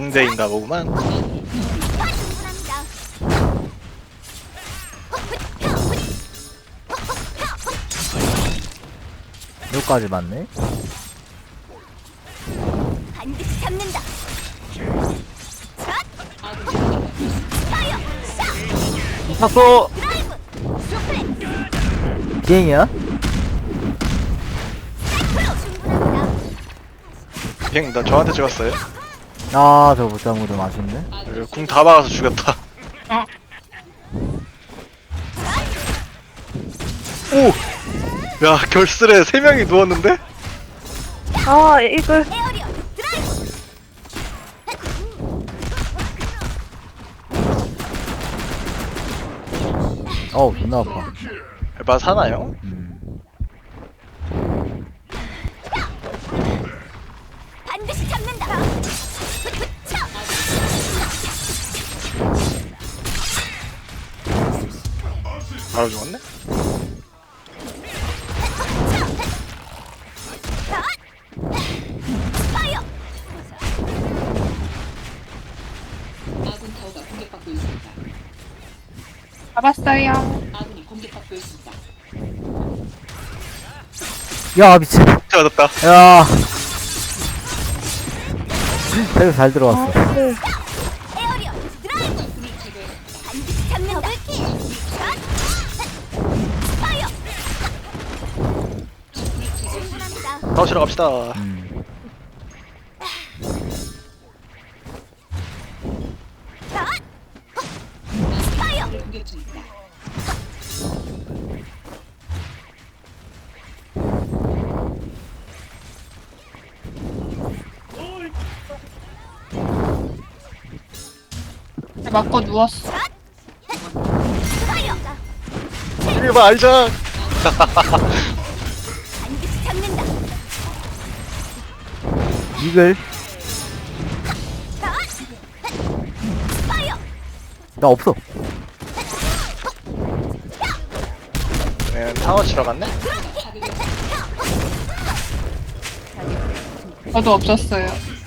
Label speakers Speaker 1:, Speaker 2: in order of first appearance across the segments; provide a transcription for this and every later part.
Speaker 1: 상대인가 보구만.
Speaker 2: 여기까지 맞네.
Speaker 3: 반드시 잡는다.
Speaker 1: 탔어.
Speaker 3: 드라이브. 슈플렉스.
Speaker 2: 비행이야?
Speaker 3: 충분합니다.
Speaker 1: 비행 나 저한테 찍었어요.
Speaker 2: 아 저거 못 잡은 거좀 아쉽네.
Speaker 1: 궁 다 박아서 죽였다. 오! 야 결슬에 3명이 누웠는데?
Speaker 4: 아 이걸
Speaker 3: 에어리어 드라이브.
Speaker 2: 어우 존나 아파.
Speaker 1: 에바 사나요?
Speaker 3: 반드시 잡는다.
Speaker 1: 바로 죽었네?
Speaker 3: 파이어.
Speaker 5: 아군 타워가 공격받고 있습니다.
Speaker 4: 잡았어요.
Speaker 5: 아군이 공격받고 있습니다.
Speaker 2: 야 미친.
Speaker 1: 맞았다.
Speaker 2: 야. 되게 잘 들어왔어.
Speaker 3: 에어리어 드라이브. 반드시 잡는다. 더블킬. 파이어. 충분합니다.
Speaker 1: 싸우시러 갑시다.
Speaker 3: 파이어.
Speaker 5: 공격 중입니다.
Speaker 4: 맞고 누웠어.
Speaker 3: 파이어.
Speaker 1: 이리 봐 아이작.
Speaker 3: 반드시 잡는다.
Speaker 2: 이글.
Speaker 3: 파이어.
Speaker 2: 나 없어.
Speaker 1: 네, 타워 치러 갔네?
Speaker 4: 저도 없었어요.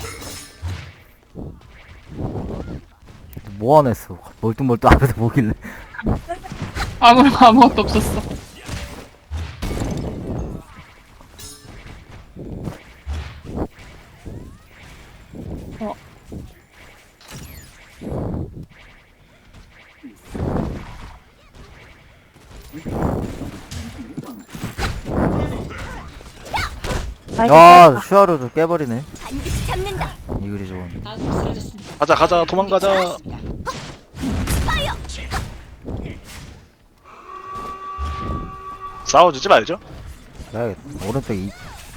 Speaker 2: 뭐 안 했어. 멀뚱멀뚱 앞에서 보길래.
Speaker 4: 아무것도 없었어. 어.
Speaker 2: 야 슈아르도 깨버리네.
Speaker 3: 반드시 잡는다.
Speaker 2: 이글이 좋은.
Speaker 5: 아군이 쓰러졌습니다.
Speaker 1: 가자 가자 도망가자.
Speaker 3: 파이어.
Speaker 1: 싸워주지 말죠.
Speaker 2: 그래야겠다. 오른쪽에 이.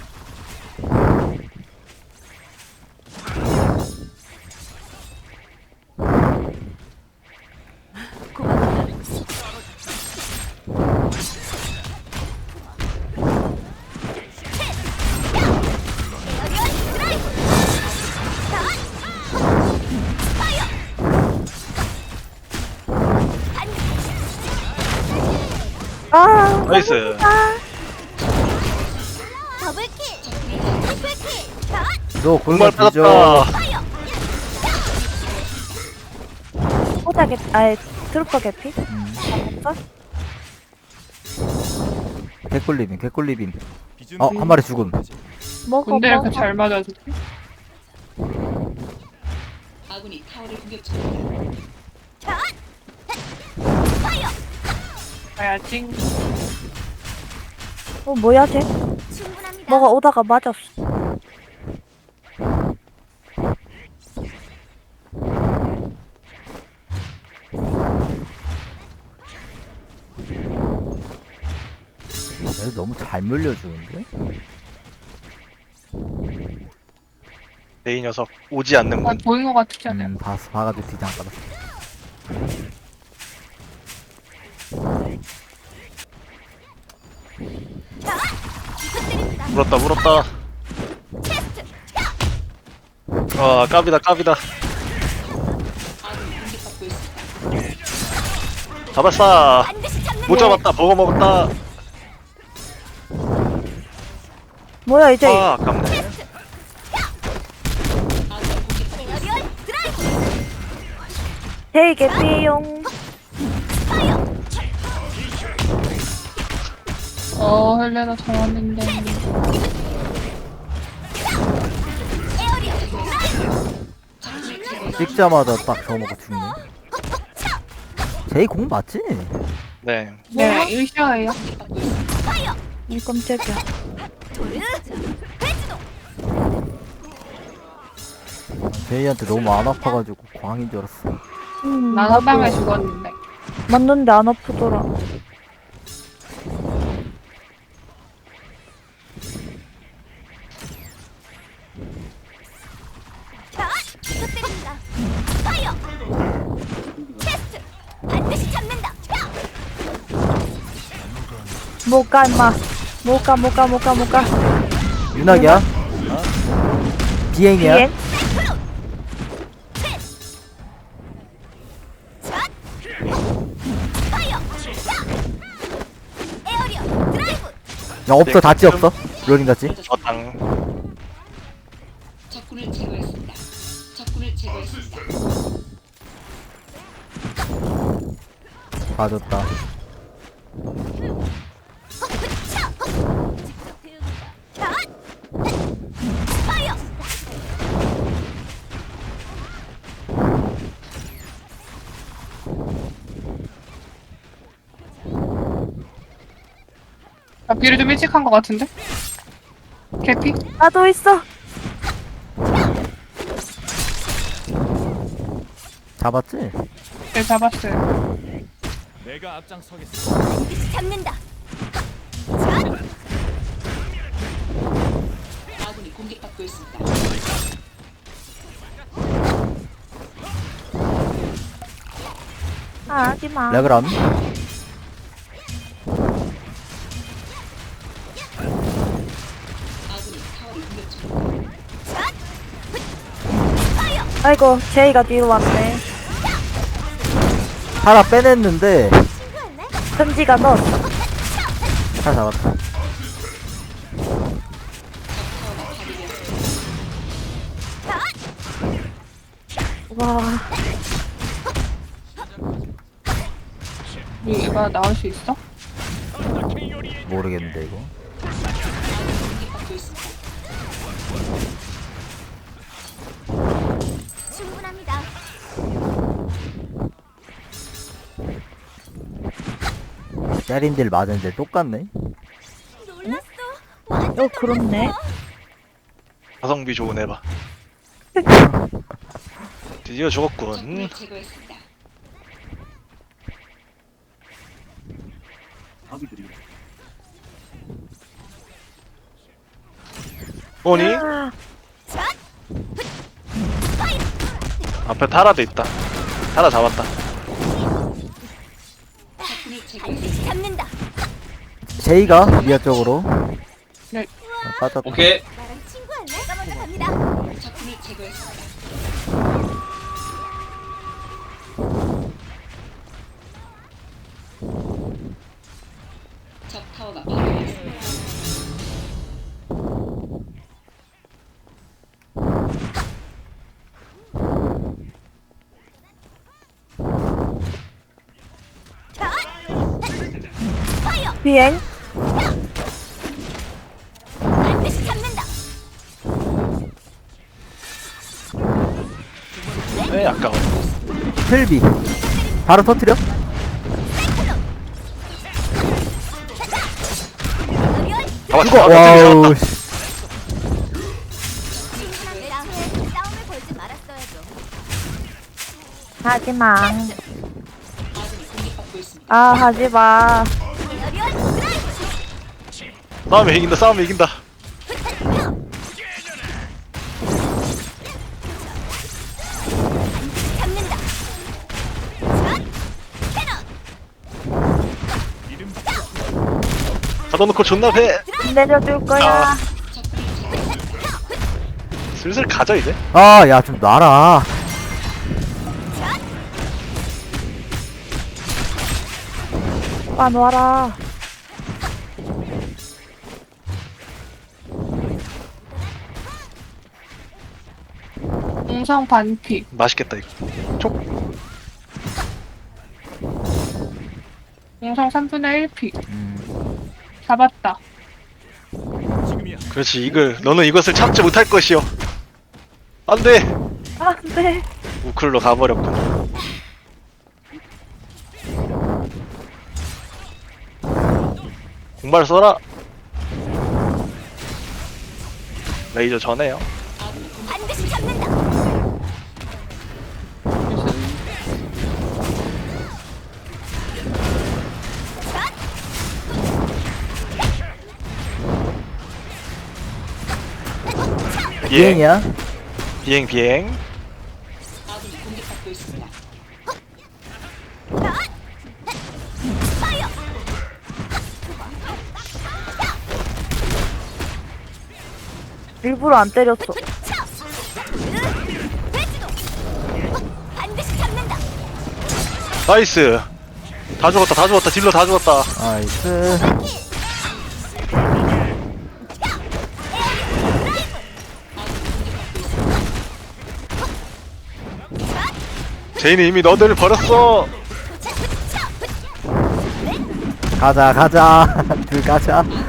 Speaker 3: 에어리어 드라이브. 파이어.
Speaker 4: 아
Speaker 1: 나이스.
Speaker 3: 더블킬. 트리플킬.
Speaker 2: 너
Speaker 1: 공발
Speaker 2: 골반 뒤져.
Speaker 1: 빠졌다.
Speaker 3: 파이어.
Speaker 6: 호자 개피, 아니 트루퍼 개피? 잡았어?
Speaker 2: 개꿀리빔 개꿀리빔. 한 마리 죽음.
Speaker 6: 먹어
Speaker 4: 근데 이렇게
Speaker 6: 먹어.
Speaker 4: 잘 맞아서.
Speaker 5: 아군이 타워를 공격 중입니다.
Speaker 3: 파이어.
Speaker 4: 가야지.
Speaker 6: 뭐야 쟤?
Speaker 3: 충분합니다.
Speaker 6: 뭐가 오다가 맞았어.
Speaker 2: 얘 너무 잘 물려주는데?
Speaker 1: 내 이 녀석 오지 않는군.
Speaker 4: 보인 것 같지 않아요?
Speaker 2: 봤어. 봐가지고 뒤장 까다.
Speaker 1: 물었다 물었다. 아 까비다 까비다.
Speaker 5: 아군이 공격받고 있습니다.
Speaker 1: 잡았어.
Speaker 3: 반드시 잡는다.
Speaker 1: 못 잡았다. 버거 먹었다.
Speaker 6: 뭐야 이제
Speaker 1: 아 아깝네.
Speaker 3: 에어리어 드라이브.
Speaker 6: 제이 개피용.
Speaker 4: 헬레나 잡았는데.
Speaker 2: 찍자마자 딱 저거 먹고 죽네. 제이 공 맞지?
Speaker 1: 네.
Speaker 4: 네, 일시어예요.
Speaker 6: 이 깜짝이야.
Speaker 2: 제이한테 너무 안 아파가지고 광인 줄 알았어.
Speaker 4: 난 한 방에 죽었는데.
Speaker 6: 맞는데 안 아프더라.
Speaker 3: 부탁드립니다. 파이어. 테스트. 반드시 잡는다.
Speaker 6: 못 가, 임마. 못 가.
Speaker 2: 윤학이야? 비행이야?
Speaker 6: 비행?
Speaker 3: 파이어. 에어리어 드라이브.
Speaker 2: 야 없어, 다치 없어. 롤링 다치.
Speaker 1: 저당.
Speaker 5: 적군을 제거했습니다. 적군을 제거했습니다.
Speaker 2: 봐줬다.
Speaker 3: 파이어.
Speaker 4: 나 비를 좀 일찍 한 것 같은데? 개피?
Speaker 6: 나도 있어.
Speaker 2: 잡았지?
Speaker 4: 네, 잡았어요.
Speaker 7: 내가 앞장서겠어.
Speaker 3: 반드시 잡는다.
Speaker 5: 아군이 공격받고 있습니다.
Speaker 6: 아, 하지마.
Speaker 2: 레그람.
Speaker 5: 아군이 타워를 공격 중입니다.
Speaker 6: 아이고, 제이가 뒤로 왔네.
Speaker 2: 하나 빼냈는데
Speaker 3: 친구였네.
Speaker 6: 선지가 넣었어.
Speaker 2: 하나 잡았다.
Speaker 6: 와,
Speaker 4: 이거 나올 수 있어?
Speaker 2: 모르겠는데 이거.
Speaker 5: 공격받고 있습니다.
Speaker 3: 충분합니다.
Speaker 2: 때린들 맞은데 똑같네.
Speaker 3: 놀랐어.
Speaker 6: 그렇네.
Speaker 1: 가성비 좋은 애봐. 드디어 죽었군.
Speaker 5: 적군을 제거했습니다.
Speaker 1: 뭐니? 앞에 타라도 있다. 타라 잡았다.
Speaker 5: 적군을 제거했습니다.
Speaker 3: 반드시 잡는다.
Speaker 2: 제이가 미아 쪽으로.
Speaker 4: 네.
Speaker 2: 빠졌다.
Speaker 8: 오케이.
Speaker 3: 나랑 친구였네. 내가 먼저 갑니다.
Speaker 5: 적군을 제거했습니다. 적 타워가 파괴되었습니다.
Speaker 6: 비행?
Speaker 3: 반드시 잡는다.
Speaker 1: 왜 아까워.
Speaker 2: 틀비. 바로 터트려?
Speaker 3: 에어리어
Speaker 2: 이거
Speaker 1: 잡았다.
Speaker 2: 와우.
Speaker 1: 잡았다.
Speaker 3: 내 앞에 싸움을 걸지 말았어야죠.
Speaker 6: 하지마.
Speaker 5: 아군이 공격받고 있습니다.
Speaker 6: 아, 하지마.
Speaker 3: 에어리어 드라이브.
Speaker 1: 싸움에 이긴다. 싸움에 이긴다.
Speaker 3: 잡는다.
Speaker 1: 가둬놓고 존나 배.
Speaker 6: 내려줄 거야.
Speaker 1: 슬슬 가져 이제.
Speaker 2: 아, 야, 좀 놔라.
Speaker 6: 와, 놔라.
Speaker 4: 공성 반피.
Speaker 1: 맛있겠다 이거. 촉.
Speaker 4: 영상 3분의 1피.
Speaker 2: 음.
Speaker 4: 잡았다.
Speaker 7: 지금이야.
Speaker 1: 그렇지 이글 너는 이것을 참지 못할 것이오. 안돼.
Speaker 6: 아, 네.
Speaker 1: 우클로 가버렸군. 공발 써라. 레이저 전해요.
Speaker 3: 반드시 잡는다.
Speaker 1: 비행
Speaker 2: 비행이야?
Speaker 1: 비행 비행.
Speaker 5: 아군이 공격받고 있습니다.
Speaker 3: 파이어.
Speaker 6: 일부러 안 때렸어.
Speaker 3: 차. 대지도. 반드시 잡는다.
Speaker 1: 나이스. 다 죽었다 다 죽었다 딜러 다 죽었다.
Speaker 2: 나이스.
Speaker 1: 제인이 이미 너들을 버렸어.
Speaker 2: 가자 가자. 둘 가자.